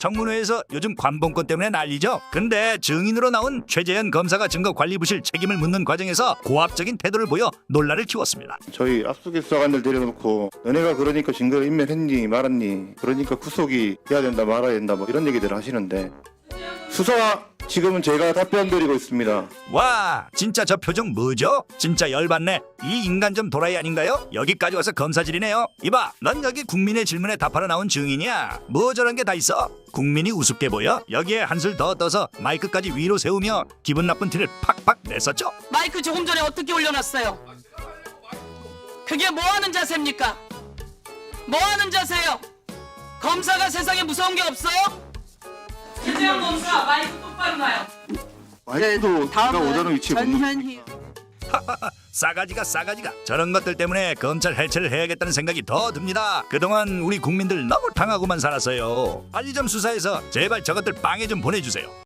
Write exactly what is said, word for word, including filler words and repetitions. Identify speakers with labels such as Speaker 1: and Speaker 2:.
Speaker 1: 청문회에서 요즘 관봉권 때문에 난리죠. 근데 증인으로 나온 최재현 검사가 증거관리부실 책임을 묻는 과정에서 고압적인 태도를 보여 논란을 키웠습니다.
Speaker 2: 저희 압수수색관들 데려놓고 너네가 그러니까 증거 인멸했니 말았니 그러니까 구속이 해야 된다 말아야 된다 뭐 이런 얘기들을 하시는데 수사 지금은 제가 답변 드리고 있습니다.
Speaker 1: 와, 진짜 저 표정 뭐죠? 진짜 열받네. 이 인간 좀 도라이 아닌가요? 여기까지 와서 검사질이네요. 이봐, 넌 여기 국민의 질문에 답하러 나온 증인이야. 뭐 저런 게 다 있어? 국민이 우습게 보여? 여기에 한술 더 떠서 마이크까지 위로 세우며 기분 나쁜 티를 팍팍 냈었죠?
Speaker 3: 마이크 조금 전에 어떻게 올려놨어요? 그게 뭐 하는 자세입니까? 뭐 하는 자세요? 검사가 세상에 무서운 게 없어요? 김재현 검사 마이크 똑바로 놔요.
Speaker 2: 마이크도 제가 오자는 위치에 못 놓-
Speaker 3: 전현희
Speaker 1: 싸가지가 싸가지가 저런 것들 때문에 검찰 해체를 해야겠다는 생각이 더 듭니다. 그동안 우리 국민들 너무 당하고만 살았어요. 빨리 좀 수사해서 제발 저것들 빵에 좀 보내주세요.